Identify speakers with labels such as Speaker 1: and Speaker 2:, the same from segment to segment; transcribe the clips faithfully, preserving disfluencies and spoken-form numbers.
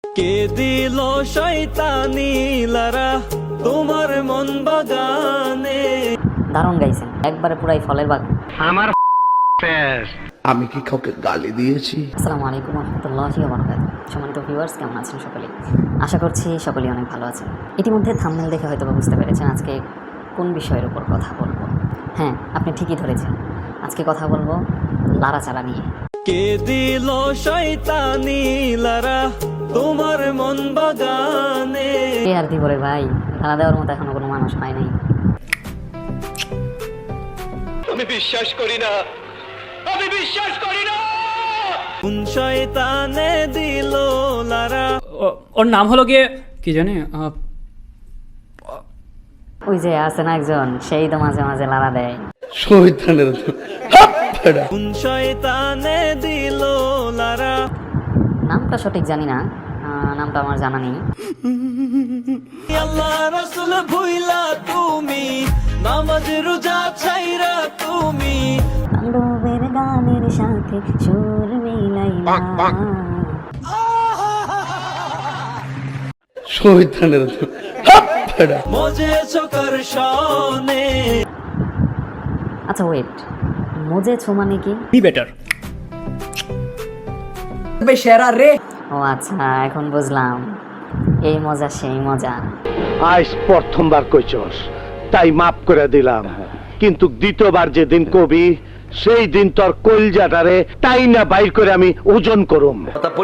Speaker 1: কে দিল শয়তানি লারা তোমার মন বাগানে।
Speaker 2: দারুণ গাইছেন, একবারে পুরাই ফলের বাগান।
Speaker 3: আমার
Speaker 4: আমি কি কাউকে গালি দিয়েছি?
Speaker 2: আসসালামু আলাইকুম রহমতুল্লাহি ওয়া বারাকাতুহু। সম্মানিত ভিউয়ার্স, কেমন আছেন সকলে? আশা করছি সকলেই অনেক ভালো আছেন। ইতিমধ্যে থাম্বনেল দেখে হয়তো বুঝতে পেরেছেন আজকে কোন বিষয়ের উপর কথা বলবো। হ্যাঁ, আপনি ঠিকই ধরেছেন, আজকে কথা বলবো লাড়াচাড়া নিয়ে।
Speaker 1: কে দিল শয়তানি লারা তোমার মন বাগানে।
Speaker 2: কে আর দিব রে ভাই, লাড়া দেওয়ার মতো এখনো কোনো মানুষ হয় নাই।
Speaker 1: আমি বিশ্বাস করি না, আমি বিশ্বাস করি না। কোন শয়তানে দিল লারা।
Speaker 5: ও- ওর নাম হলো গিয়ে কি জানি আহ,
Speaker 2: ওই যে আছে না একজন, সেই তো মাঝে মাঝে লাড়া দেয়।
Speaker 4: শয়তানের তো
Speaker 1: কোন শয়তানে দিল লারা।
Speaker 2: নামটা সঠিক জানি না, আহ, নামটা আমার জানা নেই।
Speaker 1: আল্লাহ রাসূল ভুইলা তুমি, নামাজ রোজা ছাইরা তুমি।
Speaker 2: তাণ্ডবের গানের সাথে সুর মিলাইলা।
Speaker 4: শয়তানের তো
Speaker 1: মজে চোখের শনে।
Speaker 2: আচ্ছা ওয়েট, মজে ছো মানে কি?
Speaker 5: Be better.
Speaker 2: ও আচ্ছা, এখন বুঝলাম, এই মজা সেই মজা।
Speaker 3: আজ প্রথমবার কইছস তাই মাফ করে দিলাম, কিন্তু দ্বিতীয়বার যেদিন কবি সেই দিন তোর কলজাটারে তাই না বাইর করে আমি ওজন করুম।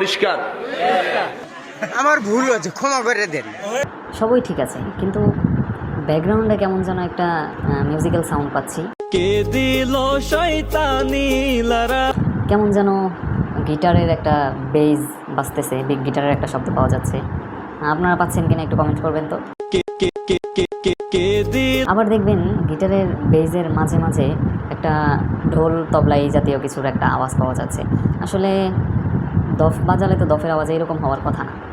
Speaker 6: আমার ভুল হয়েছে, ক্ষমা করে দেন।
Speaker 2: সবই ঠিক আছে, কিন্তু ব্যাকগ্রাউন্ডে কেমন যেন একটা মিউজিক্যাল সাউন্ড পাচ্ছি।
Speaker 1: কে দিল শয়তানি লারা।
Speaker 2: কেমন যেন গিটারের একটা বেজ বাজতেছে, বিগ গিটারের একটা শব্দ পাওয়া যাচ্ছে। আপনারা পাচ্ছেন কিনা একটু কমেন্ট করবেন তো।
Speaker 1: কে কে কে কে কে কে দিল।
Speaker 2: আবার দেখবেন গিটারের বেজের মাঝে মাঝে একটা ঢোল তবলা এই জাতীয় কিছুর একটা আওয়াজ পাওয়া যাচ্ছে। আসলে দফ বাজালে তো দফের আওয়াজ এরকম হওয়ার কথা না।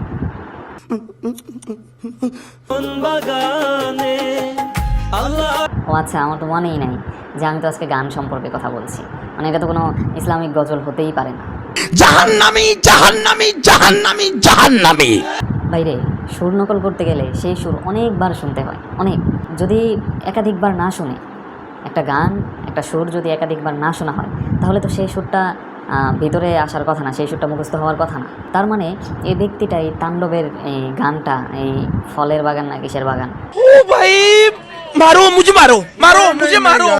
Speaker 1: মন বাগানে আল্লাহ।
Speaker 2: ও আচ্ছা, আমার তো মনেই নাই যে আমি তো আজকে গান সম্পর্কে কথা বলছি। মানে এটা তো কোনো ইসলামিক গজল হতেই পারে না।
Speaker 4: জাহান্নামী জাহান্নামী জাহান্নামী জাহান্নামী।
Speaker 2: বাইরে সুর নকল করতে গেলে সেই সুর অনেকবার শুনতে হয়, অনেক। যদি একাধিকবার না শুনে একটা গান, একটা সুর যদি একাধিকবার না শোনা হয়, তাহলে তো সেই সুরটা আহ, ভিতরে আসার কথা না, সেই সুরটা মুখস্থ হওয়ার কথা না। তার মানে এই ব্যক্তিটা এই তাণ্ডবের এই গানটা এই ফলের বাগান না কিসের বাগান।
Speaker 4: ও ভাই মারো মুঝে মারো মারো মুঝে মারো।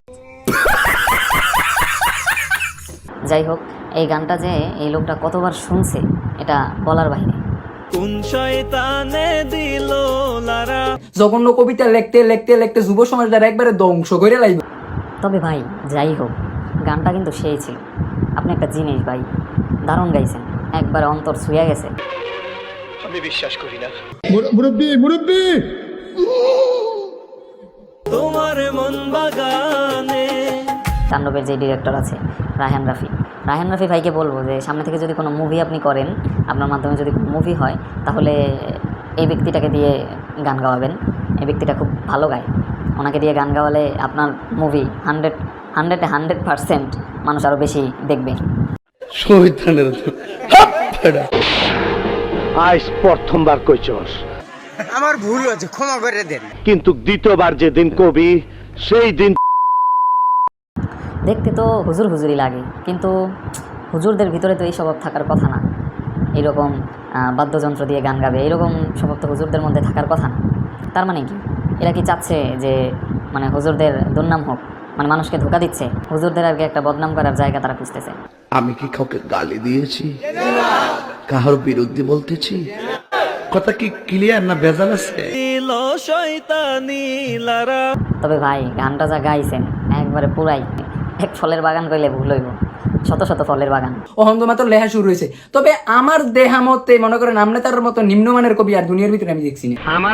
Speaker 2: যাই হোক, এই গানটা যে এই লোকটা কতবার শুনছে এটা বলার বাইরে।
Speaker 1: কোন শয়তানে দিল লারা।
Speaker 7: জঘন্য কবিতা লিখতে লিখতে লিখতে যুব সমাজ দ্বারা একবারে ধ্বংস করে লাইব।
Speaker 2: তবে ভাই যাই হোক, গানটা কিন্তু সেই ছিল। আপনি একটা জিনিস ভাই, দারুণ গাইছেন, একবারে অন্তর ছুঁয়ে গেছে।
Speaker 1: আমি বিশ্বাস করি না।
Speaker 8: মুরব্বী মুরব্বী
Speaker 1: তোমার মন বাগানে।
Speaker 2: তাণ্ডবের যে ডিরেক্টর আছে রায়হান রাফি, রায়হান রাফি ভাইকে বলবো যে সামনে থেকে যদি কোনো মুভি আপনি করেন, আপনার মাধ্যমে যদি কোনো মুভি হয়, তাহলে এই ব্যক্তিটাকে দিয়ে গান গাওয়াবেন। এই ব্যক্তিটা খুব ভালো গায়, ওনাকে দিয়ে গান গাওয়ালে আপনার মুভি হান্ড্রেড হান্ড্রেডে হান্ড্রেড পারসেন্ট মানুষ আরও বেশি দেখবে।
Speaker 4: শয়তানের তো
Speaker 3: আজ প্রথমবার কইছস
Speaker 6: আমার ভুল হয়েছে, ক্ষমা করে দেন।
Speaker 3: কিন্তু দ্বিতীয়বার যেদিন কবি সেই দিন
Speaker 2: দেখতে তো হুজুর হুজুরই লাগে, কিন্তু হুজুরদের ভিতরে তো এই স্বভাব থাকার কথা না। এইরকম আহ, বাদ্যযন্ত্র দিয়ে গান গাবে, এইরকম স্বভাব তো হুজুরদের মধ্যে থাকার কথা না। তার মানে কি, এরা কি চাচ্ছে যে মানে হুজুরদের দুর্নাম হোক, মানে মানুষকে ধোকা দিচ্ছে, হুজুরদের আর কি একটা বদনাম করার জায়গা তারা খুঁজতেছে।
Speaker 4: আমি কি কাউকে গালি দিয়েছি? কাহার বিরুদ্ধে বলতেছি? কথা কি ক্লিয়ার না ভেজাল আছে?
Speaker 1: দিল শয়তানি লারা।
Speaker 2: তবে ভাই গানটা যা গাইছেন একবারে পুরাই এক ফলের বাগান কইলে ভুল হইব, শত শত ফলের বাগান।
Speaker 7: অহন্ত মাত্র লেখা শুরু হয়েছে। তবে আমার দেহা মতে মনে করেন আমনেতার মতো নিম্নমানের কবি আর দুনিয়ার ভিতরে আমি দেখছি না।
Speaker 3: আমার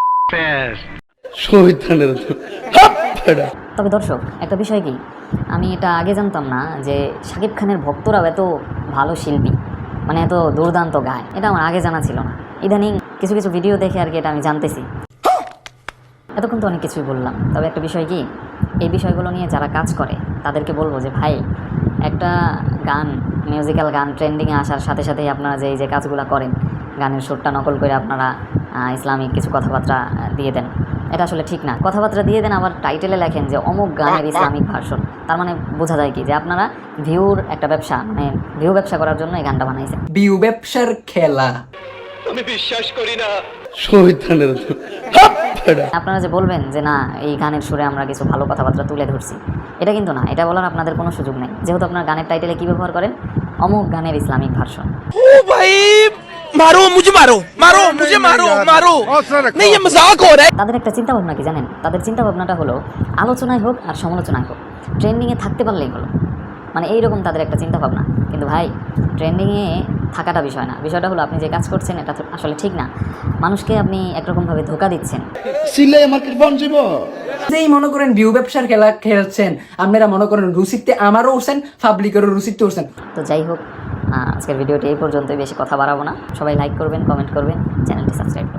Speaker 4: শয়তানের তো
Speaker 2: তবে দর্শক, একটা বিষয় কি, আমি এটা আগে জানতাম না যে শাকিব খানের ভক্তরাও এত ভালো শিল্পী, মানে এত দুর্দান্ত গায়। এটা আমার আগে জানা ছিল না। ইদানিং কিছু কিছু ভিডিও দেখে আর কি এটা আমি জানতেছি। এতক্ষণ তো অনেক কিছুই বললাম, তবে একটা বিষয় কি, এই বিষয়গুলো নিয়ে যারা কাজ করে তাদেরকে বলবো যে ভাই, একটা গান, মিউজিক্যাল গান ট্রেন্ডিংয়ে আসার সাথে সাথেই আপনারা যে এই যে কাজগুলো করেন, গানের সুরটা নকল করে আপনারা আহ, ইসলামিক কিছু কথাবার্তা আহ, দিয়ে দেন। এটা আসলে ঠিক না। কথাবার্তা দিয়ে দেন আবার টাইটেলে লেখেন যে অমুক গানের ইসলামিক ভার্সন। তার মানে বোঝা যায় কি যে আপনারা ভিউর একটা ব্যবসা মানে ভিউ ব্যবসা করার জন্য এই গানটা বানাইছেন।
Speaker 7: বিউ ব্যবসার খেলা।
Speaker 1: আমি বিশ্বাস করি না।
Speaker 4: শহীদানের
Speaker 2: আপনারা যে বলবেন যে না এই গানের সুরে আমরা কিছু ভালো কথাবার্তা তুলে ধরছি, এটা কিন্তু না। এটা বলার আপনাদের কোনো সুযোগ নেই, যেহেতু আপনার গানের টাইটেলে কি ব্যবহার করেন, অমুক গানের ইসলামিক ভার্সন।
Speaker 6: মারো মুঝে মারো মারো মুঝে মারো মারো नहीं ये मजाक हो रहा है।
Speaker 2: তাদের একটা চিন্তা ভাবনা কি জানেন? তাদের চিন্তা ভাবনাটা হলো আলোচনায় হোক আর সমালোচনায় হোক ট্রেন্ডিংয়ে থাকতে পারলেই হলো, মানে এইরকম তাদের একটা চিন্তা ভাবনা। কিন্তু ভাই ট্রেন্ডিংয়ে থাকাটা বিষয় না, বিষয়টা হলো আপনি যে কাজ করছেন এটা তো আসলে ঠিক না। মানুষকে আপনি একরকমভাবে ধোকা দিচ্ছেন।
Speaker 4: সিলাই আমার বন যাব
Speaker 7: যেই মনে করেন ভিউ ব্যবসার খেলা খেলছেন, আপনারা মনে করেন রুচিতে আমারও উঠছেন, পাবলিকেরও রুচিতে উঠছেন।
Speaker 2: তো যাই হোক, আহ, আজকের ভিডিওটি এই পর্যন্তই, বেশি কথা বাড়াবো না। সবাই লাইক করবেন, কমেন্ট করবেন, চ্যানেলটি সাবস্ক্রাইব করবেন।